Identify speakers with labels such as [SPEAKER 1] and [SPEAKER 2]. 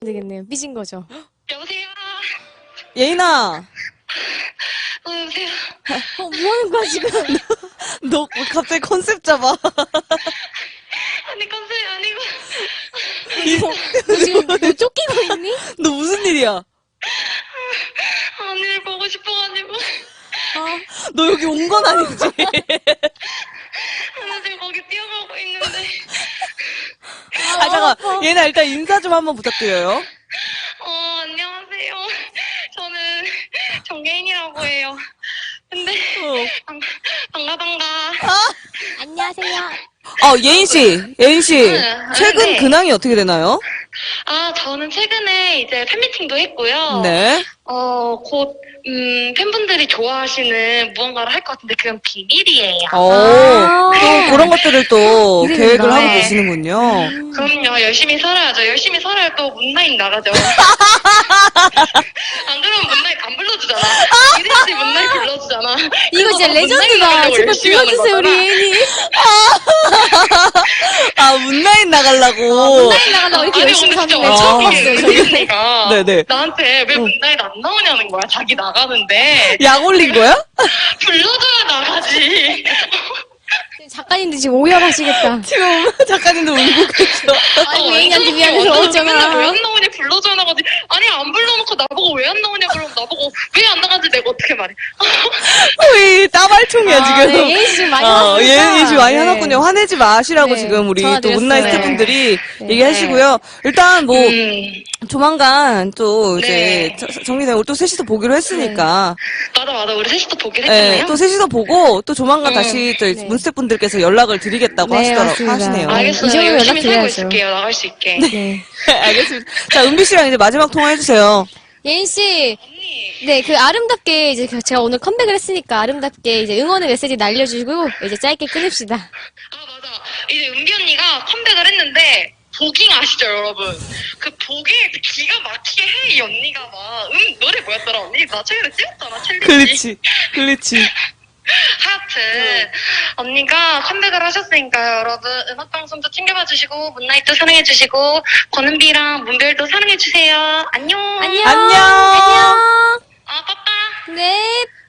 [SPEAKER 1] 되겠네요. 삐진 거죠.
[SPEAKER 2] 여보세요?
[SPEAKER 3] 예인아,
[SPEAKER 2] 여보세요?
[SPEAKER 1] 뭐 하는 거야, 지금?
[SPEAKER 3] 너 갑자기 컨셉 잡아.
[SPEAKER 2] 아니, 컨셉이 아니고.
[SPEAKER 1] 너 지금 너 쫓기고 있니?
[SPEAKER 3] 너 무슨 일이야?
[SPEAKER 2] 언니를 보고 싶어가지고.
[SPEAKER 3] 너 여기 온 건 아니지?
[SPEAKER 2] 나 지금 거기 뛰어가고 있는데.
[SPEAKER 3] 아, 잠깐. 예인아, 일단 인사 좀 한번 부탁드려요.
[SPEAKER 2] 안녕하세요. 저는 정계인이라고 해요. 근데, 반가.
[SPEAKER 1] 안녕하세요.
[SPEAKER 3] 예인씨. 최근
[SPEAKER 2] 네.
[SPEAKER 3] 근황이 어떻게 되나요?
[SPEAKER 2] 저는 최근에 이제 팬미팅도 했고요.
[SPEAKER 3] 네.
[SPEAKER 2] 곧, 팬분들이 좋아하시는 무언가를 할 것 같은데 그건 비밀이에요.
[SPEAKER 3] 또 그런 것들을 또
[SPEAKER 1] 이름이
[SPEAKER 3] 계획을
[SPEAKER 1] 있나?
[SPEAKER 3] 하고
[SPEAKER 2] 네.
[SPEAKER 3] 계시는군요.
[SPEAKER 2] 그럼요. 열심히 살아야죠. 열심히 살아야 또 문나잇 나가죠. 안 그러면 문나잇 안 불러주잖아. 이래야지 문나잇 불러주잖아.
[SPEAKER 1] 이거 진짜
[SPEAKER 2] 그래서
[SPEAKER 1] 레전드다.
[SPEAKER 2] 문나잇
[SPEAKER 1] 제발
[SPEAKER 2] 열심히 하는
[SPEAKER 1] 불러주세요, 우리
[SPEAKER 2] 거잖아.
[SPEAKER 1] 예인이.
[SPEAKER 3] 문나잇 나가려고.
[SPEAKER 1] 문나잇 나간다고 이렇게 열심히
[SPEAKER 2] 오늘 진짜
[SPEAKER 1] 사는데 처음 봤어요, 저는.
[SPEAKER 2] 언니가
[SPEAKER 3] 네네.
[SPEAKER 2] 나한테 왜 문나잇 안 나오냐는 거야. 자기 나가는데.
[SPEAKER 3] 약 올린 거야?
[SPEAKER 2] 불러줘야 나가지.
[SPEAKER 1] 작가님들 지금 오열하시겠다.
[SPEAKER 3] 지금 작가님도 울고 계셔.
[SPEAKER 1] 아이고, 예인이한테 미안해서
[SPEAKER 2] 맨날 왜
[SPEAKER 1] 어쩌나.
[SPEAKER 2] 안 나오냐 불러줘야 나가지. 아니 안 불러놓고 나보고 왜 안 나오냐 그러면 나보고 왜 안 나가지 내가 어떻게 말해.
[SPEAKER 3] 우리 따발총이야, 지금.
[SPEAKER 1] 네, 예인 씨 지금 많이 화났구나.
[SPEAKER 3] 예인이 지금 많이
[SPEAKER 1] 네.
[SPEAKER 3] 화났군요. 화내지 마시라고
[SPEAKER 1] 네,
[SPEAKER 3] 지금 우리
[SPEAKER 1] 전화
[SPEAKER 3] 또
[SPEAKER 1] 드렸어요.
[SPEAKER 3] 문나잇
[SPEAKER 2] 네.
[SPEAKER 3] 스태프분들이
[SPEAKER 1] 네.
[SPEAKER 3] 얘기하시고요. 일단 뭐, 조만간 또
[SPEAKER 2] 네.
[SPEAKER 3] 이제 정리되고 또 셋이서 보기로 했으니까.
[SPEAKER 2] 맞아 우리 셋이서 보긴
[SPEAKER 3] 네,
[SPEAKER 2] 했잖아요.
[SPEAKER 3] 또 셋이서 보고 또 조만간 다시 또
[SPEAKER 1] 네.
[SPEAKER 3] 문스태프분들께서 연락을 드리겠다고
[SPEAKER 1] 네, 맞습니다.
[SPEAKER 3] 하시네요.
[SPEAKER 1] 이
[SPEAKER 2] 알겠어요.
[SPEAKER 1] 정도면
[SPEAKER 2] 열심히 살고
[SPEAKER 1] 연락드려야죠.
[SPEAKER 2] 있을게요. 나갈 수 있게.
[SPEAKER 1] 네.
[SPEAKER 3] 알겠습니다. 자, 은비 씨랑 이제 마지막 통화해주세요.
[SPEAKER 1] 예인 씨,
[SPEAKER 2] 언니.
[SPEAKER 1] 네, 그 아름답게 이제 제가 오늘 컴백을 했으니까 아름답게 이제 응원의 메시지 날려주고 이제 짧게 끊읍시다.
[SPEAKER 2] 맞아. 이제 은비 언니가 컴백을 했는데 보깅 아시죠 여러분? 그 보깅 기가 막히게 해 이 언니가 막 노래 뭐였더라 언니? 나 최근에 찍었잖아 챌린지.
[SPEAKER 3] 글리치.
[SPEAKER 2] 하여튼 언니가 컴백을 하셨으니까요 여러분 음악방송도 챙겨봐 주시고 문나잇도 사랑해 주시고 권은비랑 문별도 사랑해 주세요. 안녕.
[SPEAKER 1] 안녕.
[SPEAKER 3] 안녕.
[SPEAKER 2] 빠빠.
[SPEAKER 1] 네.